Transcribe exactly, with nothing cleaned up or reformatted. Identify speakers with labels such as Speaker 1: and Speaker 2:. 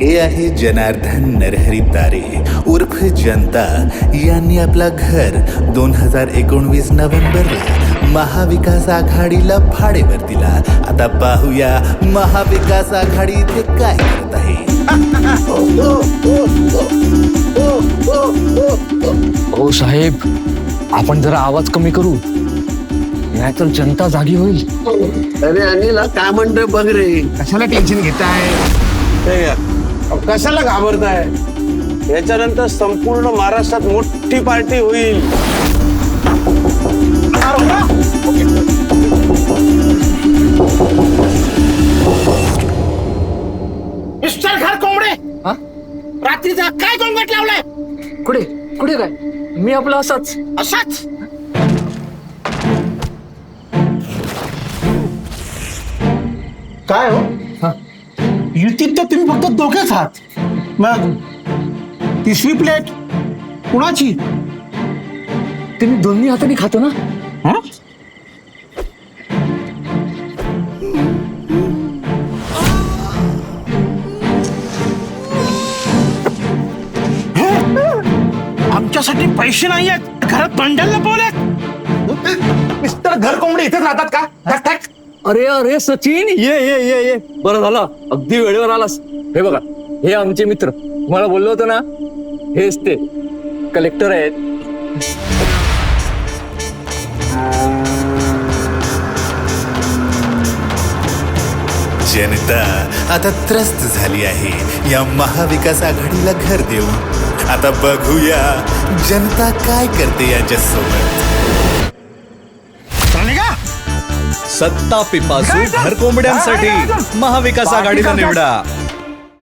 Speaker 1: हे आहे जनार्दन नरहरी तारे उर्फ जनता यांनी आपला घर दोन हजार एकोणवीस नोव्हेंबरला महाविकास आघाडीला भाडेवर दिला. आता पाहूया महाविकास आघाडी इथे काय करत आहे.
Speaker 2: हो साहेब, आपण जरा आवाज कमी करू, नाहीतर जनता जागी होईल.
Speaker 3: अरे अनिल काय म्हणतोय बघ रे.
Speaker 4: कशाला टेन्शन घेताय,
Speaker 3: कशाला घाबरताय. याच्यानंतर संपूर्ण महाराष्ट्रात मोठी पार्टी होईल.
Speaker 4: मिस्टर घर कोंबडे, रात्रीचा काय गोंगट लावलाय.
Speaker 2: कुठे कुठे काय, मी आपलं असंच
Speaker 4: असाच काय हो. युतीत तर तुम्ही फक्त दोघेच आहात, मग तिसरी प्लेट कुणाची.
Speaker 2: ते मी दोन्ही हाताने खातो ना.
Speaker 4: हं? आमच्यासाठी पैसे नाही आहेत, घरात बंडल लपवलेत. मिस्टर घर कोंबडे इथेच राहतात का. ठक, ठक.
Speaker 2: अरे अरे सचिन, ये ये ये ये बरं झालं, अगदी वेळेवर आलास. हे बघा, हे आमचे मित्र, तुम्हाला बोललो होतो ना, हेच ते कलेक्टर आहेत.
Speaker 1: जनता आता त्रस्त झाली आहे या महाविकास आघाडीला घर देऊन. आता बघूया जनता काय करते याच्यासोबत.
Speaker 5: सत्ता पिपासू घरकोंबड्यांसाठी महाविकास आघाडीला निवडा.